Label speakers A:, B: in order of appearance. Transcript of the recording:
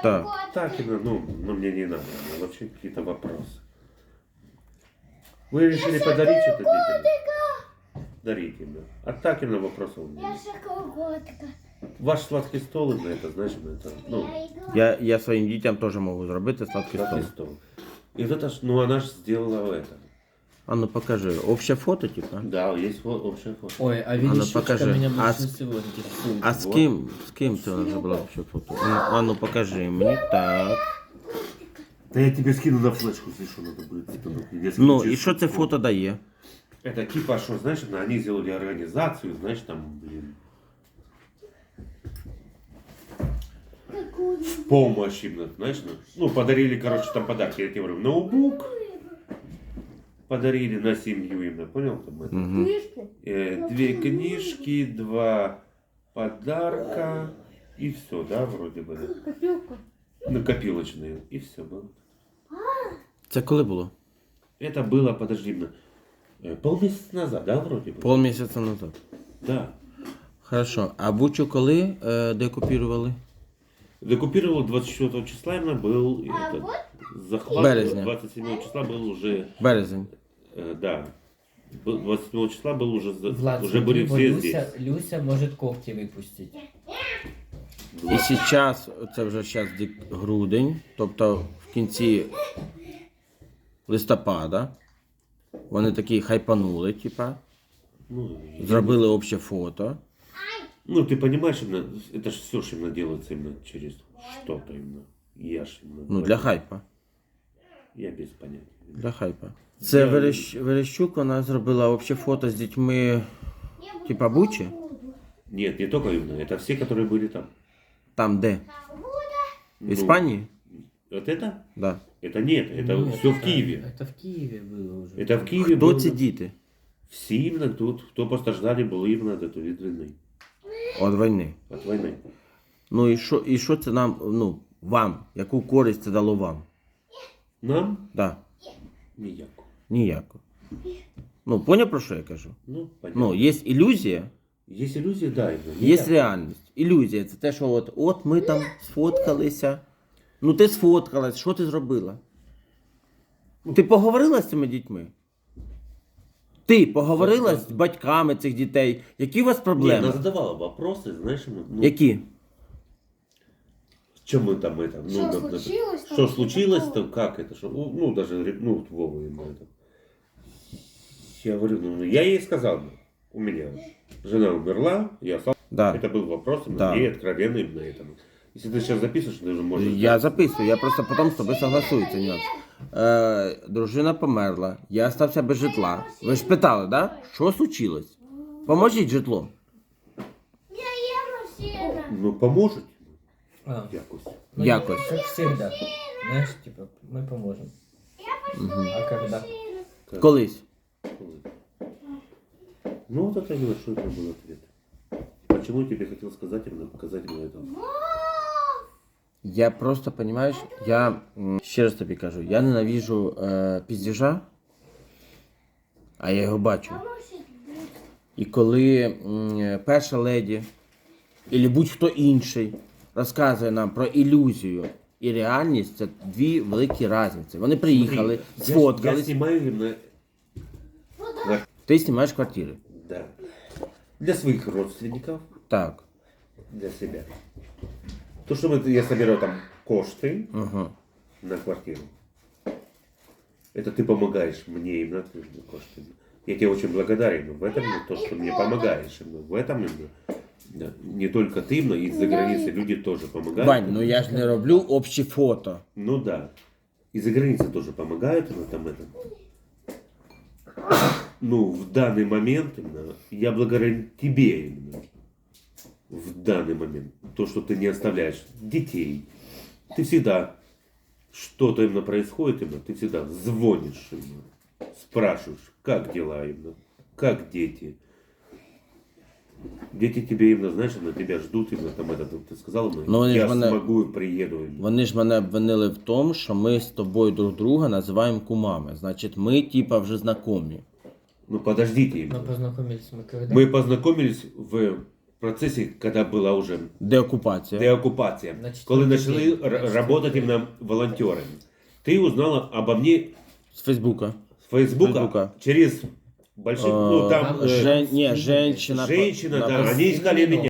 A: Так.
B: Так, ну мне не надо. Вообще какие-то вопросы. Вы решили подарить что-то детям? Дарите им, да. А так именно вопросов у меня
C: Я
B: нет.
C: шоколадка.
B: Ваш сладкий стол, именно это, значит, это, ну,
A: Я своїм дітям теж можу зробити сладкий стол.
B: сладкий стол. И вот это ж, ну она же сделала это.
A: А ну покажи. Обще фото, типа?
B: Да, есть общая фото.
D: Ой, а
A: ну,
D: видишь,
A: покажи.
D: меня
A: А
D: больше всего интересует.
A: А з ким? З ким це вона зробила обще фото? А ну покажи мені. Так.
B: Да я тебе скину на флешку, если что надо будет. Типа, я скину
A: Ну,
B: через
A: і що це фото дає?
B: Это типа, что, знаешь, они сделали организацию, знаешь, там, блин, в помощь именно, знаешь, ну, подарили, короче, там подарки, я тебе говорю, ноутбук подарили на семью именно, понял? Там, это?
C: Книжки.
B: 2 книжки, 2 подарка и все, да, вроде бы, да?
C: Копилка.
B: Накопилочные, и все было.
A: Це коли було?
B: Это было, подожди, полмесяца назад, да, вроде бы?
A: Полмісяця назад.
B: Да.
A: Хорошо. А Бучу коли декупірували?
B: Декупировал 24 числа именно был этот, захват.
A: Березня.
B: 27 числа был уже,
A: Березень.
B: да. 27 числа был уже,
D: Влад,
B: уже были
D: смотри,
B: все здесь.
D: Люся может когти выпустить.
A: І зараз, це вже зараз грудень, тобто в кінці листопада, вони такі хайпанули, типа,
B: Ну,
A: зробили обще фото.
B: ну, ты понимаешь, именно, это же все же именно делается именно через что-то именно. Я ж именно.
A: Ну, для хайпа.
B: Я без понятия.
A: Для хайпа. Це Верещук, вона зробила обще фото з дітьми, типа Бучі.
B: Нет, не только именно, это все, которые были там.
A: Там де? В Іспанії?
B: Вот это?
A: Да.
B: Это нет, это все в Киеве.
D: Это в Киеве было уже.
B: Это в Киеве
A: Хто
B: было.
A: ці діти?
B: Все именно тут, кто постраждали, было именно от этого від війни.
A: От війни.
B: От войны.
A: Ну і що це нам, ну, вам? Яку користь це дало вам?
B: Нам
A: Да.
B: ніяко.
A: Ніяко. Ну, поняв, про що я кажу?
B: Ну, понятно.
A: Ну, є ілюзія,
B: Есть иллюзия, да.
A: є реальність. Ілюзія це те, що от ми там сфоткалися. Ну ти сфоткалась, що ти зробила? Ти поговорила з цими дітьми? Ти поговорила з батьками цих дітей? Які у вас
B: Не,
A: проблеми?
B: она задавала вопросы, знаешь, ну,
A: Які?
B: чем мы там это, ну,
C: Что
B: например,
C: случилось там?
B: что случилось, то как это, что, ну, даже, ну, вот Вова ему это. Я говорю, ну, я ей сказал, у меня жена умерла, я сам,
A: Да.
B: это был вопрос,
A: Да.
B: ей откровенный на этом. Если ты сейчас записываешь, ты уже можешь...
A: Я записую, я просто потім з тобою согласую, це нюанс. Дружина померла, я стався без житла. Ви ж питали, да? Що случилось? Поможіть житлом.
C: Я ем машина.
B: Ну, поможет
D: А,
B: якось.
D: ну,
A: Якось.
D: Как всегда. Знаешь, типа, мы поможем. А когда?
A: Колись.
B: Ну, вот это небольшой это был ответ. Почему я тебе хотел сказать, именно показать именно это?
A: Я просто, понимаєш, я ще раз тобі кажу, я ненавижу піздіжа, а я його бачу. І коли перша леді, або будь-хто інший, розказує нам про ілюзію і реальність, це дві великі різниці. Вони приїхали,
B: Я
A: сфоткались,
B: снимаю именно...
A: ти знімаєш квартири.
B: Да. Для своих родственников,
A: Так.
B: для себя. То, что я собираю там кошты
A: Угу.
B: на квартиру, это ты помогаешь мне именно кошты. Я тебе очень благодарен в этом, то, что мне помогаешь. В этом именно. Да. Не только ты, но и за границей люди тоже помогают.
A: Вань, ну я ж не роблю общі фото.
B: Ну да. И за границей тоже помогают именно там это. Ну, в данный момент именно, я благодарен тебе именно. В данный момент. То, что ты не оставляешь детей. Ты всегда, что-то именно происходит именно, ты всегда звонишь именно. Спрашиваешь, как дела именно, как дети. Дети тебе именно, знаешь, именно тебя ждут именно там это, ты сказал именно,
A: Ну, они
B: я
A: ж мене-
B: смогу, приеду. Именно.
A: Вони ж мене обвинили в тому, що ми з тобою друг друга називаємо кумами. Значить, ми типа вже знайомі.
B: Ну подождите именно.
D: Мы познакомились мы когда?
B: Мы познакомились в процесі, коли була уже
A: Деокупація.
B: деокупація,
D: На
B: коли
D: четвертий
B: почали
D: день. На
B: працювати
D: четвертий
B: іменно волонтерами. Ти узнала обо мне
A: З Фейсбука.
B: с Фейсбука,
A: Фейсбука.
B: через больших, ну там,
A: Женщина.
B: женщина,
A: на-
B: да, они искали меня.